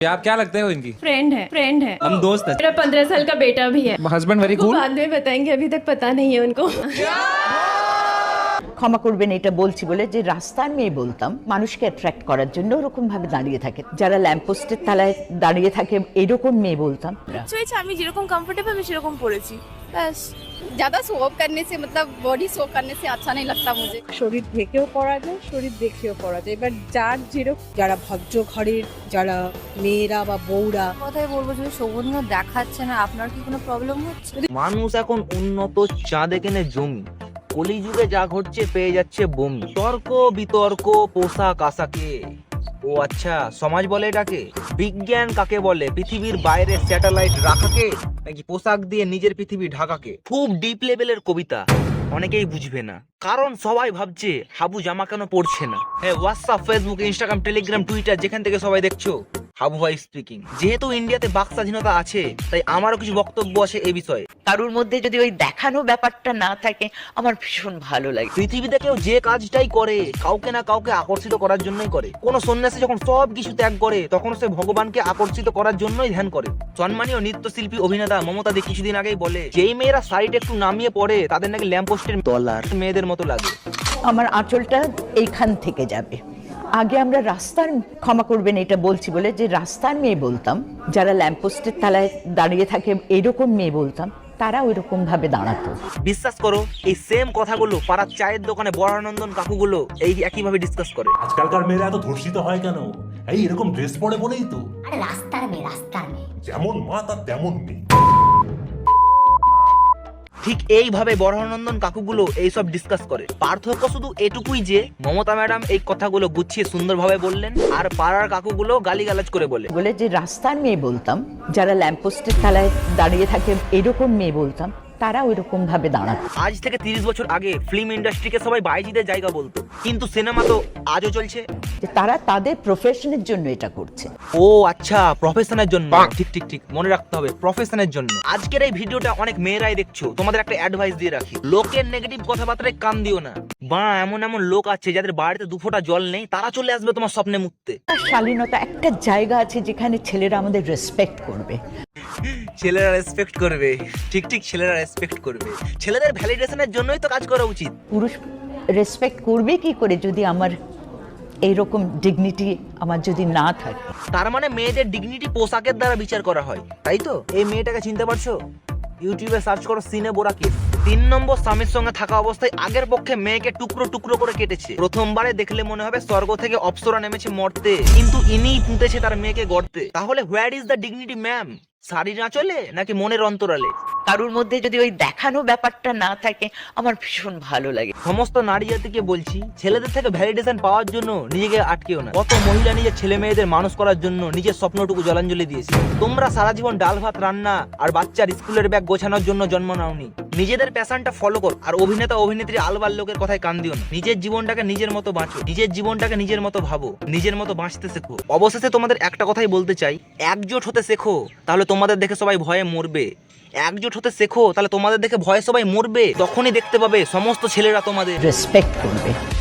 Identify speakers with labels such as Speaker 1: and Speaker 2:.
Speaker 1: आप क्या लगते हो इनकी?
Speaker 2: फ्रेंड है।
Speaker 1: हम दोस्त हैं।
Speaker 2: मेरा 15 साल का बेटा भी है।
Speaker 1: हस्बैंड वेरी
Speaker 2: वो
Speaker 1: कूल।
Speaker 2: बाद में बताएंगे, अभी तक पता नहीं है उनको।
Speaker 3: ক্ষমা করবেন এটা বলছি বলে যে রাস্তার মেয়ে বলতাম মানুষকে অ্যাট্রাক্ট করার জন্য ওরকম ভাবে দাঁড়িয়ে থাকে, যারা ল্যাম্পপোস্টের তলায় দাঁড়িয়ে থাকে এরকম মেয়ে বলতাম।
Speaker 4: হয়েছে আমি যেরকম কমফোর্টেবল আমি সেরকম পড়েছি ব্যাস।
Speaker 5: ज्यादा शो ऑफ करने से मतलब बॉडी शो करने से अच्छा नहीं लगता मुझे।
Speaker 6: শরীর ঢেকেও পড়া যায়, শরীর দেখেও পড়া যায়। এবার যার যেরকম, যারা ভদ্র ঘরের যারা মেয়েরা বা বউরা,
Speaker 4: কথাই বলবো যদি সৌগন্ধ দেখাচ্ছে না, আপনার কি কোনো প্রবলেম হচ্ছে?
Speaker 7: মানুষ এখন উন্নত চাঁদে কেনে জমি, কলিযুগে যা ঘটছে পেয়ে যাচ্ছে বমি। তর্ক বিতর্ক পোশাক আশাকে, ও আচ্ছা সমাজ বলে এটাকে। বিজ্ঞান কাকে বলে? পৃথিবীর বাইরে স্যাটেলাইট রাখাকে, নাকি পোশাক দিয়ে নিজের পৃথিবী ঢাকাকে? খুব ডিপ লেভেলের কবিতা, অনেকেই বুঝবে না, কারণ সবাই ভাবছে হাবু জামা কেন পড়ছে না। হ্যাঁ, WhatsApp, Facebook, Instagram, Telegram, Twitter, যেখান থেকে সবাই দেখছো, হাবু ভাই স্পিকিং। যেহেতু ইন্ডিয়াতে বাক স্বাধীনতা আছে, তাই আমারও কিছু বক্তব্য আছে এই বিষয়ে।
Speaker 3: কারোর মধ্যে যদি ওই দেখানো ব্যাপারটা না থাকে আমার ভীষণ ভালো লাগে।
Speaker 7: পৃথিবীতে কেউ যে কাজটাই করে কাউকে না কাউকে আকর্ষিত করার জন্যই করে। কোন সন্ন্যাসী যখন সব কিছু ত্যাগ করে তখন সে ভগবানকে আকর্ষিত করার জন্যই ধ্যান করে। সম্মানীয় নৃত্যশিল্পী অভিনেতা মমতা দে কিছুদিন আগেই বলে, যেই মেয়েরা সাইড একটু নামিয়ে পড়ে তাদের নাকি ল্যাম্পপোস্টের তলার মেয়েদের মতো লাগে।
Speaker 3: আমার আঁচলটা এইখান থেকে যাবে। আগে আমরা রাস্তার, ক্ষমা করবেন এটা বলছি বলে যে রাস্তার মেয়ে বলতাম, যারা ল্যাম্পপোস্টের তলায় দাঁড়িয়ে থাকে এরকম মেয়ে বলতাম, তারা ওইরকম ভাবে দাঁড়াতো।
Speaker 7: বিশ্বাস করো এই সেম কথাগুলো পাড়ার চায়ের দোকানে বরানন্দন কাকুগুলো এই একইভাবে ডিসকাস করে।
Speaker 8: আজকালকার মেয়েরা এত ধর্ষিত হয় কেন? এই এরকম ড্রেস পরে বলেই তো।
Speaker 9: আরে রাস্তার মেয়ে
Speaker 8: যেমন মা তার তেমন মেয়ে।
Speaker 7: ঠিক এইভাবে বরানন্দন কাকুগুলো এইসব ডিসকাস করে। পার্থক্য শুধু এটুকুই যে মমতা ম্যাডাম এই কথাগুলো গুছিয়ে সুন্দরভাবে বললেন, আর পাড়ার কাকুগুলো গালিগালাজ করে বলে
Speaker 3: বলে যে রাস্তার মেয়ে বলতাম, যারা ল্যাম্পপোস্টের তলায় দাঁড়িয়ে থাকে এরকম মেয়ে বলতাম, তারা ওইরকম ভাবে দাঁড়াতো।
Speaker 7: আজ থেকে 30 বছর আগে ফিল্ম ইন্ডাস্ট্রিকে সবাই বাইজিদের জায়গা বলতো, কিন্তু সিনেমা তো আজও চলছে।
Speaker 3: যে তারা তাদের প্রফেশনের জন্য এটা করছে।
Speaker 7: ও আচ্ছা, প্রফেশনের জন্য। ঠিক ঠিক ঠিক, মনে রাখতে হবে প্রফেশনের জন্য। আজকের এই ভিডিওটা অনেক মেয়েরাই দেখছো, তোমাদের একটা অ্যাডভাইস দিয়ে রাখি, লোকের নেগেটিভ কথাবার্তায় কান দিও না। বা এমন এমন লোক আছে যাদের বাড়িতে দুফোঁটা জল নেই, তারা চলে আসবে তোমার স্বপ্নে মুততে।
Speaker 3: শালীনতা একটা জায়গা আছে যেখানে ছেলেরা আমাদের রেসপেক্ট করবে।
Speaker 7: ছেলেরা রেসপেক্ট করবে, ঠিক ঠিক, ছেলেরা রেসপেক্ট করবে। ছেলেদের ভ্যালিডেশনের জন্যই তো কাজ করা উচিত।
Speaker 3: পুরুষ রেসপেক্ট করবে কি করে যদি আমার এইরকম ডিগনিটি আমার যদি না থাকে?
Speaker 7: তার মানে মেয়েদের ডিগনিটি পোশাকের দ্বারা বিচার করা হয়, তাই তো? এই মেয়েটাকে চিনতে পারছো? ইউটিউবে সার্চ করো সিনে বোরা কেস। 3 নম্বর স্বামীর সঙ্গে থাকা অবস্থায় আগের পক্ষে মেয়েকে টুকরো টুকরো করে কেটেছে। প্রথমবারে দেখলে মনে হবে স্বর্গ থেকে অপ্সরা নেমেছে মরতে, কিন্তু ইনিই পুঁতেছে তার মেয়েকে গড়তে। তাহলে where is the dignity ma'am? শাড়ির আঁচলে নাকি মনের অন্তরালে?
Speaker 3: কারোর মধ্যে যদি ওই দেখানো ব্যাপারটা না থাকে আমার ভীষণ ভালো লাগে।
Speaker 7: সমস্ত নারী জাতিকে বলছি, ছেলেদের থেকে ভ্যালিডেশন পাওয়ার জন্য নিজেকে আটকেও না। কত মহিলা নিজের ছেলে মেয়েদের মানুষ করার জন্য নিজের স্বপ্নটুকু জলাঞ্জলি দিয়েছে। তোমরা সারা জীবন ডাল ভাত রান্না আর বাচ্চার স্কুলের ব্যাগ গোছানোর জন্য জন্ম নাওনি। নিজেদের প্যাশনটা ফলো কর, আর অভিনেতা অভিনেত্রী আলবাল লোকের কথায় কান দিও না। নিজের জীবনটাকে নিজের মতো বাঁচো, নিজের জীবনটাকে নিজের মতো ভাবো, নিজের মতো বাঁচতে শেখো। অবশেষে তোমাদের একটা কথাই বলতে চাই, একজোট হতে শেখো, তাহলে তোমাদের দেখে সবাই ভয়ে মরবে। একজোট হতে শেখো, তাহলে তোমাদের দেখে ভয়ে সবাই মরবে। তখনই দেখতে পাবে সমস্ত ছেলেরা তোমাদের
Speaker 3: রেসপেক্ট করবে।